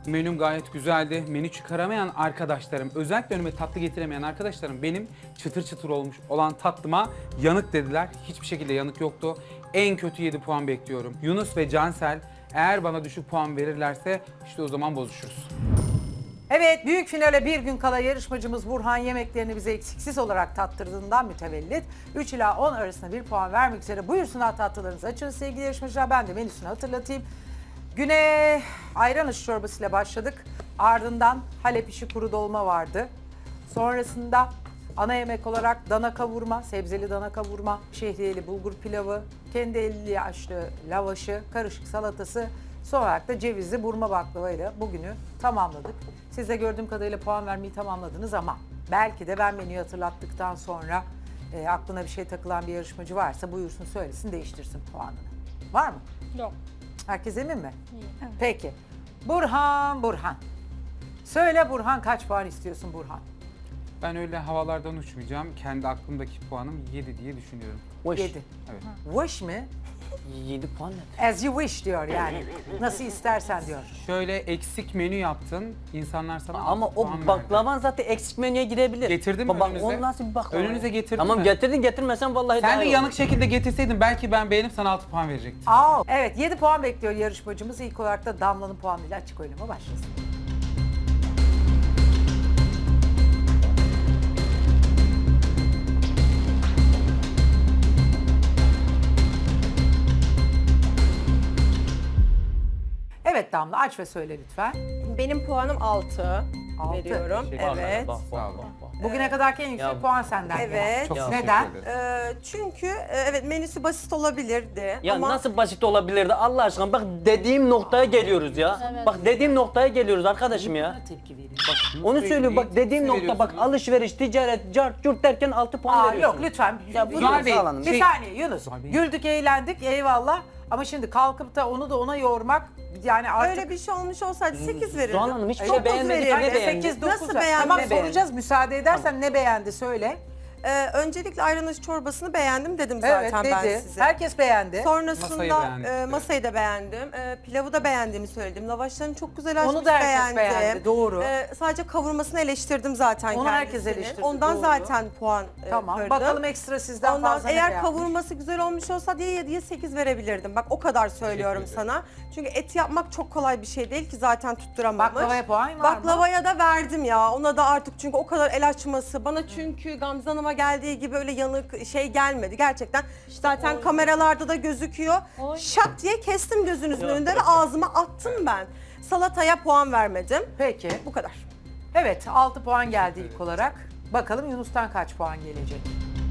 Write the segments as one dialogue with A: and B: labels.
A: Menüm gayet güzeldi. Menü çıkaramayan arkadaşlarım, özellikle önüme tatlı getiremeyen arkadaşlarım benim çıtır çıtır olmuş olan tatlıma yanık dediler. Hiçbir şekilde yanık yoktu. En kötü 7 puan bekliyorum. Yunus ve Cansel eğer bana düşük puan verirlerse işte o zaman bozuşuruz.
B: Evet, büyük finale bir gün kala yarışmacımız Burhan yemeklerini bize eksiksiz olarak tattırdığından mütevellit 3 ila 10 arasında bir puan vermek üzere buyursunlar, tatlılarınızı açın sevgili yarışmacılar. Ben de menüsünü hatırlatayım. Güne ayran ışı çorbasıyla başladık. Ardından Halep işi kuru dolma vardı. Sonrasında ana yemek olarak dana kavurma, sebzeli dana kavurma, şehriyeli bulgur pilavı, kendi elli yaşlı lavaşı, karışık salatası, son olarak da cevizli burma baklavayla bugünü tamamladık. Siz de gördüğüm kadarıyla puan vermeyi tamamladınız ama belki de ben menüyü hatırlattıktan sonra aklına bir şey takılan bir yarışmacı varsa buyursun söylesin, değiştirsin puanını. Var mı?
C: Yok.
B: Herkes emin mi? Evet. Peki. Burhan. Söyle Burhan, kaç puan istiyorsun Burhan?
A: Ben öyle havalardan uçmayacağım. Kendi aklımdaki puanım 7 diye düşünüyorum.
B: 7.
A: Evet.
B: Wish mi?
D: 7 puan ne?
B: As you wish diyor yani. Nasıl istersen diyor.
A: Şöyle eksik menü yaptın. İnsanlar sana
D: Ama
A: 6
D: o
A: puan verdi.
D: baklavan zaten eksik menüye girebilir.
A: Getirdim
D: Bak,
A: önünüze.
D: o nasıl bir baklava?
A: Önünüze getirdim
D: Tamam
A: mi?
D: getirdin, getirmesen vallahi daha
A: Sen de
D: iyi
A: yanık
D: olur.
A: şekilde getirseydin belki ben beğenip sana 6 puan verecektim.
B: Evet, 7 puan bekliyor yarışmacımız. İlk olarak da Damla'nın puanıyla açık oylama başlasın. Evet Damla, aç ve söyle lütfen.
E: Benim puanım 6
B: Altı.
E: veriyorum.
A: Teşekkür
D: Bak,
E: Evet.
D: bak,
A: Sağ
D: bak,
A: olun.
D: bak, bak.
B: Bugüne kadarki en yüksek
D: Ya,
B: puan senden
E: evet.
B: gelen.
A: Çok
D: Ya.
A: teşekkür
B: Neden?
A: ederim.
E: Çünkü evet menüsü basit olabilirdi
D: Ya
E: ama
D: nasıl basit olabilirdi Allah aşkına, bak dediğim noktaya geliyoruz ya. Bak dediğim noktaya geliyoruz arkadaşım ya.
B: Tepki veriyor.
D: Onu
A: Sürekli
D: söylüyor bak, dediğim
A: tepki
D: nokta bak,
A: veriyorsunuz.
D: alışveriş, ticaret, cart, curt derken 6 puan
B: Aa,
D: veriyorsun.
B: yok lütfen.
D: Ya bu
A: Zuhal
D: Yunus
A: Bey,
D: Hanım.
B: Bir saniye Yunus.
A: Zuhal Bey.
B: Güldük, eğlendik, eyvallah. Ama şimdi kalkıp da onu da ona yormak yani artık...
E: öyle bir şey olmuş olsaydı 8 verirdim.
D: Zuhal Hanım hiçbir
B: Çok
D: şey beğenmedik,
E: verirdim.
D: ne beğendi?
B: 8, 9
E: Nasıl beğendi?
B: Tamam
D: Ne beğendi?
B: soracağız, müsaade edersen ne beğendi söyle.
E: Öncelikle ayran ışı çorbasını beğendim dedim
B: Evet
E: zaten ben
B: dedi.
E: size.
B: Herkes beğendi.
E: Sonrasında
A: Masayı beğendik.
E: masayı da beğendim. Pilavı da beğendiğimi söyledim. Lavaşlarını çok güzel açmış,
B: Onu da herkes
E: beğendim.
B: beğendi, doğru.
E: Sadece kavurmasını eleştirdim zaten
B: Onu herkes
E: kendisini.
B: eleştirdi,
E: Ondan
B: doğru.
E: zaten puan
B: Tamam.
E: kırdım.
B: Bakalım ekstra sizden
E: Ondan
B: fazla ne
E: eğer
B: beğenmiş?
E: kavurması güzel olmuş olsa diye 7'ye 8 verebilirdim. Bak o kadar söylüyorum
A: Teşekkür
E: sana. Çünkü et yapmak çok kolay bir şey değil ki, zaten tutturamamış.
B: Baklavaya puan var mı?
E: Baklavaya da verdim ya. Ona da artık, çünkü o kadar el açması. Bana çünkü Gamze Hanım'a geldiği gibi öyle yanık şey gelmedi. Gerçekten zaten kameralarda da gözüküyor. Şak diye kestim gözünüzün önünde ve ağzıma attım ben. Salataya puan vermedim.
B: Peki.
E: Bu kadar.
B: Evet 6 puan geldi ilk olarak. Bakalım Yunus'tan kaç puan gelecek?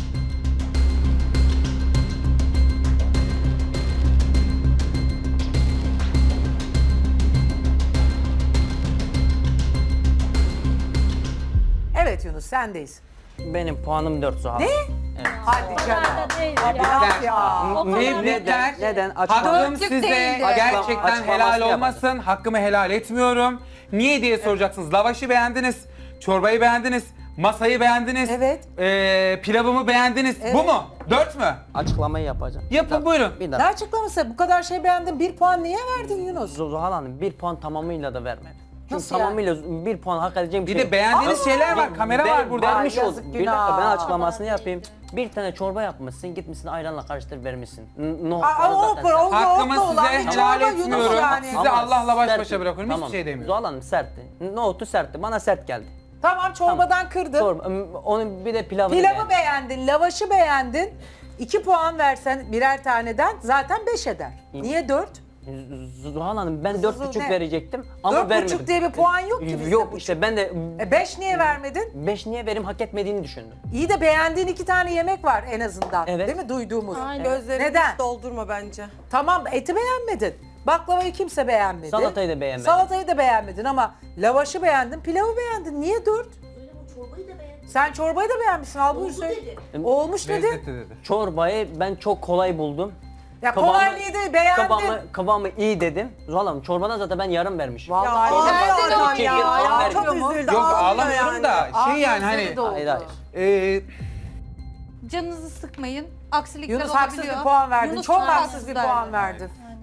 B: Evet Yunus sendeyiz.
D: Benim puanım 4 Zuhal.
B: Ne? Hadi canım.
C: Değil
B: Bak ya.
A: Tebrikler.
D: Neden?
A: Hakkım
C: Dörtlük
A: size
C: değildi.
A: gerçekten
D: Açıklamasını
A: helal
D: yapalım.
A: olmasın. Hakkımı helal etmiyorum. Niye diye soracaksınız. Lavaşı beğendiniz, çorbayı beğendiniz, masayı beğendiniz,
B: Evet.
A: Pilavımı beğendiniz. Bu mu? 4 mü?
D: Açıklamayı yapacağım.
A: Yapın,
D: Bir dakika,
A: buyurun.
D: Bir
B: Ne
D: dakika.
B: açıklaması? Bu kadar şey beğendin. 1 puan niye verdin Yunus?
D: Zuhal Hanım 1 puan tamamıyla da vermedi. Çünkü
B: Nasıl yani?
D: tamamıyla 1 puan hak edeceğim bir
A: Bir
D: şey.
A: de beğendiğiniz şeyler var. Kamera
D: Ben-
A: var burada.
D: Vermiş
B: Ay,
D: oldum.
B: yazık,
D: Bir dakika, ben
B: günah.
D: açıklamasını yapayım. Bir tane çorba yapmışsın, gitmişsin ayranla karıştır vermişsin.
B: Aa,
D: Nohutları
B: o
D: zaten
B: o
A: Hakkımı
B: o olan
A: size
B: bir
A: helal
B: çorba Yunus
A: etmiyorum.
B: yani.
A: Size
D: Ama
A: Allah'la baş
D: sertti.
A: başa bırakıyorum.
D: Tamam.
A: Hiçbir şey demiyorum.
D: Zuhal Hanım sertti. Nohutu sertti. Bana sert geldi.
B: Tamam çorbadan kırdın.
D: Çorba, onun bir de pilavını
B: Pilavı
D: beğendim.
B: beğendin, lavaşı beğendin. 2 puan versen birer taneden zaten 5 eder. Niye 4?
D: Zuhal Hanım ben
B: Kızıl
D: 4,5
B: ne?
D: verecektim ama
B: 4,5
D: vermedim.
B: diye bir puan yok ki bizde.
D: Yok işte ben de
B: 5 niye vermedin?
D: 5 niye verim hak etmediğini düşündüm.
B: İyi de beğendiğin 2 tane yemek var en azından.
D: Evet.
B: Değil mi duyduğumuz?
C: Aynen.
E: Gözlerimi
B: Neden?
E: hiç doldurma bence.
B: Tamam eti beğenmedin. Baklavayı kimse beğenmedi.
D: Salatayı da beğenmedim.
B: Salatayı da beğenmedin ama lavaşı beğendin, pilavı beğendin. Niye 4?
F: Çorbayı da beğendim.
B: Sen çorbayı da beğenmişsin. Al buyur söyle.
F: dedi.
B: Olmuş dedi.
A: Lezzetli dedi.
D: Çorbayı ben çok kolay buldum.
B: Ya kolaylıydı, beğendin.
D: Kıvamı iyi dedim. Zuhal Hanım çorbadan zaten ben yarım vermişim.
B: Vallahi
E: Ağlıyor
B: helal
E: adam
B: olsun
E: ya.
D: ya.
E: Çok
B: Ağlıyor mu?
E: üzüldü.
A: Yok
E: ağlıyor
A: ağlamıyorum
E: yani.
A: da şey yani
B: Gözleri
A: hani
B: doldu.
D: Hayır hayır.
A: e,
C: Canınızı sıkmayın. Aksilikler
B: Yunus
C: olabiliyor.
B: haksız bir puan verdin.
C: Yunus
B: Çok
C: çok
B: haksız bir
C: haksız
B: puan
C: verdi.
B: verdin.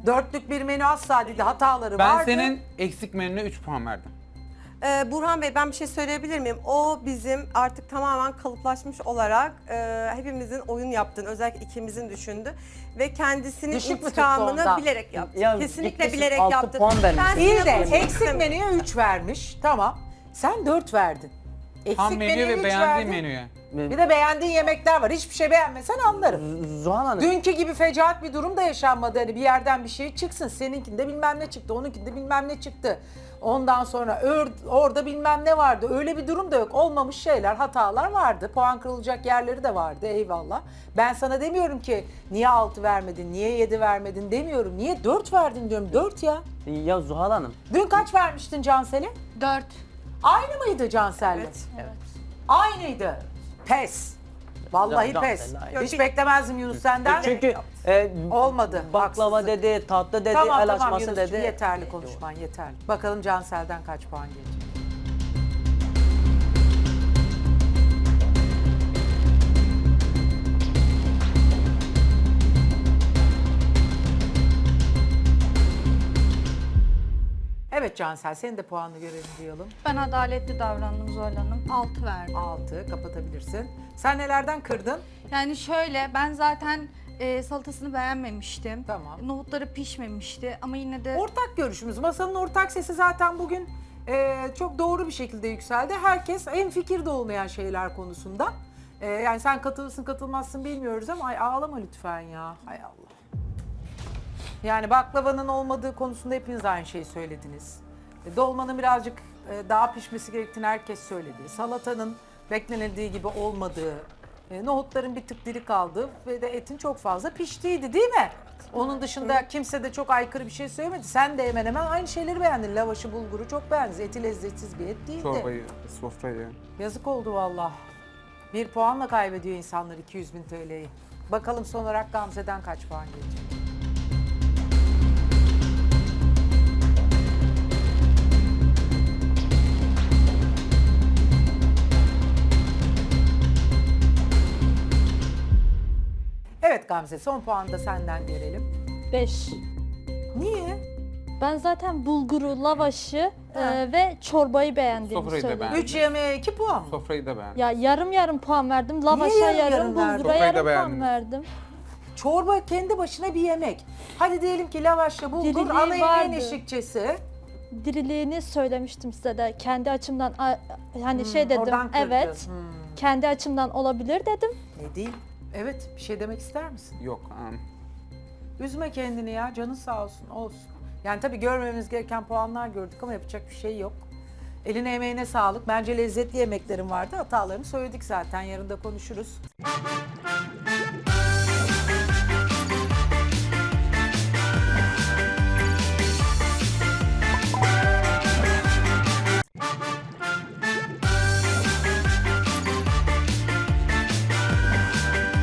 B: Dörtlük bir menü asla değildi. Hataları
A: Ben
B: vardı.
A: senin eksik menüne 3 puan verdim.
E: Burhan Bey ben bir şey söyleyebilir miyim? O bizim artık tamamen kalıplaşmış olarak hepimizin oyun yaptığını, özellikle ikimizin düşündü. Ve kendisinin
B: Düşük mü tuttu
E: intikamını
B: ondan?
E: bilerek yaptı.
D: Ya
E: Kesinlikle
D: gitmişsin,
E: bilerek
D: 6
E: yaptı.
D: puan vermiş.
E: Ben
B: İyi
E: sizinle
B: de
E: konuşmak
B: eksik
E: istemiyorum.
B: menüye 3 vermiş. Tamam. Sen 4 verdin. Eksik
A: Tam menüye ve
B: üç
A: beğendiğim
B: verdin.
A: menüye.
B: Bir de beğendiğin yemekler var. Hiçbir şey beğenmesen anlarım.
D: Zuhal Hanım.
B: Dünkü gibi fecaat bir durum da yaşanmadı. Hani bir yerden bir şey çıksın. Seninkinde bilmem ne çıktı, onunkinde bilmem ne çıktı. Ondan sonra orada bilmem ne vardı. Öyle bir durum da yok. Olmamış şeyler, hatalar vardı. Puan kırılacak yerleri de vardı. Eyvallah. Ben sana demiyorum ki niye 6 vermedin, niye 7 vermedin demiyorum. Niye 4 verdin diyorum. 4 ya.
D: Ya Zuhal Hanım.
B: Dün kaç vermiştin Cansel'e?
C: 4.
B: Aynı mıydı Cansel'le?
E: Evet.
B: Aynıydı. Pes. Vallahi
D: Can-
B: pes.
D: Cansel'le aynı.
B: Hiç beklemezdim Yunus senden.
D: Çünkü
B: Olmadı.
D: baklava
B: Haksızlık.
D: dedi, tatlı dedi,
B: Tamam
D: el
B: tamam
D: açması
B: Yunus'cum,
D: dedi.
B: yeterli konuşman yeterli. Bakalım Cansel'den kaç puan gelecek? Evet Cansel, senin de puanını görelim diyelim.
C: Ben adaletli davrandım Zuhal Hanım. 6 verdim.
B: 6, kapatabilirsin. Sen nelerden kırdın?
C: Yani şöyle ben zaten salatasını beğenmemiştim.
B: Tamam.
C: Nohutları pişmemişti ama yine de
B: Ortak görüşümüz, masanın ortak sesi zaten bugün çok doğru bir şekilde yükseldi. Herkes hemfikirde olmayan şeyler konusunda. Yani sen katılırsın katılmazsın bilmiyoruz ama ay ağlama lütfen ya. Hay Allah. Yani baklavanın olmadığı konusunda hepiniz aynı şeyi söylediniz. Dolmanın birazcık daha pişmesi gerektiğini herkes söyledi. Salatanın beklenildiği gibi olmadığı, nohutların bir tık diri kaldığı ve de etin çok fazla piştiğiydi değil mi? Onun dışında kimse de çok aykırı bir şey söylemedi. Sen de hemen hemen aynı şeyleri beğendin. Lavaşı, bulguru çok beğendin. Eti lezzetsiz bir et değildi.
A: Çorbayı, sofrayı.
B: Yazık oldu valla. Bir puanla kaybediyor insanlar 200.000 TL'yi. Bakalım son olarak Gamze'den kaç puan gelecek? Evet Gamze, son puanı da senden görelim.
F: 5.
B: Niye?
F: Ben zaten bulguru, lavaşı
B: Ha.
F: ve çorbayı beğendiğimi
A: Sofrayı da
F: söyledim.
A: beğendim.
B: 3 yemeğe 2 puan mı?
A: Sofrayı da beğendim.
F: Ya yarım yarım puan verdim. Lavaşa
B: yarım
F: yarım,
B: yarım verdin?
F: bulgura
A: Sofrayı da
F: yarım
A: beğendiniz.
F: puan verdim.
B: Çorba kendi başına bir yemek. Hadi diyelim ki lavaşla bulgur
F: Diriliği
B: ana yemeğin
F: vardı.
B: eşlikçesi.
F: Diriliğini söylemiştim size de. Kendi açımdan hani şey dedim.
B: oradan kırdın.
F: Evet. Kendi açımdan olabilir dedim.
B: Ne diyeyim? Evet, bir şey demek ister misin?
A: Yok.
B: Üzme kendini ya, canın sağ olsun, olsun. Yani tabii görmemiz gereken puanlar gördük ama yapacak bir şey yok. Eline emeğine sağlık. Bence lezzetli yemeklerin vardı. Hatalarını söyledik zaten, yarın da konuşuruz.